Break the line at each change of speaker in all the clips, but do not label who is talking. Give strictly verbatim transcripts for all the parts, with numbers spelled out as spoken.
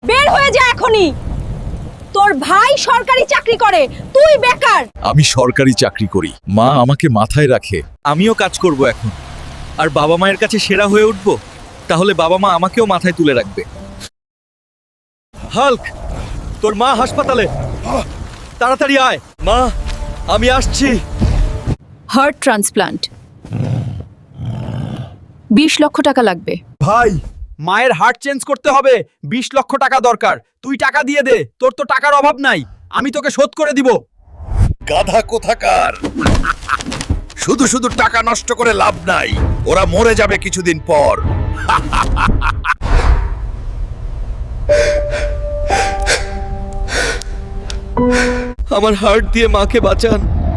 বের হয়ে যা এখনই। তোর ভাই সরকারি চাকরি করে, তুই বেকার।
আমি সরকারি চাকরি করি, মা আমাকে মাথায় রাখে।
আমিও কাজ করব এখন, আর বাবা মায়ের কাছে সেরা হয়ে উঠব। তাহলে বাবা মা আমাকেও মাথায় তুলে রাখবে। হাল্ক, তোর মা হাসপাতালে, তাড়াতাড়ি আয়। মা, আমি আসছি।
হার্ট ট্রান্সপ্লান্ট বিশ লক্ষ টাকা লাগবে।
ভাই, মায়ের হার্ট চেঞ্জ করতে হবে, বিশ লক্ষ টাকা দরকার। তুই টাকা দিয়ে দে, তোর তো টাকার অভাব নাই, আমি তোকে শোধ করে দিব।
গাধা কোথাকার! শুধু শুধু টাকা নষ্ট করে লাভ নাই, ওরা মরে যাবে কিছুদিন পর।
আমার হার্ট দিয়ে মাকে বাঁচান।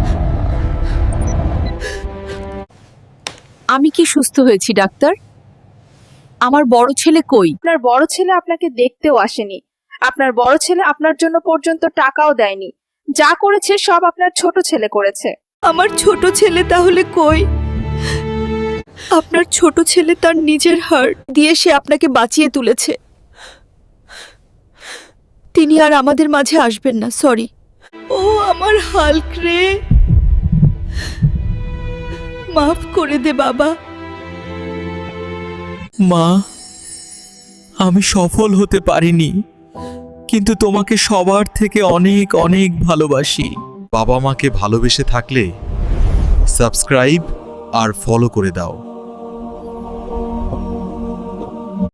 আমি কি সুস্থ হয়েছি ডাক্তার? আমার বড় ছেলে কই?
আপনার বড় ছেলে আপনাকে দেখতেও আসেনি। আপনার বড় ছেলে আপনার জন্য পর্যন্ত টাকাও দেয়নি। যা করেছে সব আপনার ছোট ছেলে করেছে।
আমার ছোট ছেলে তাহলে কই? আপনার ছোট ছেলে তার নিজের হার্ট দিয়ে সে আপনাকে বাঁচিয়ে তুলেছে। তিনি আর আমাদের মাঝে আসবেন না, সরি। ও আমার হাল্ক রে, মাফ করে দে বাবা।
মা, আমি সফল হতে পারিনি, কিন্তু তোমাকে সবার থেকে অনেক অনেক ভালোবাসি।
বাবা মাকে ভালোবেসে থাকলে সাবস্ক্রাইব আর ফলো করে দাও।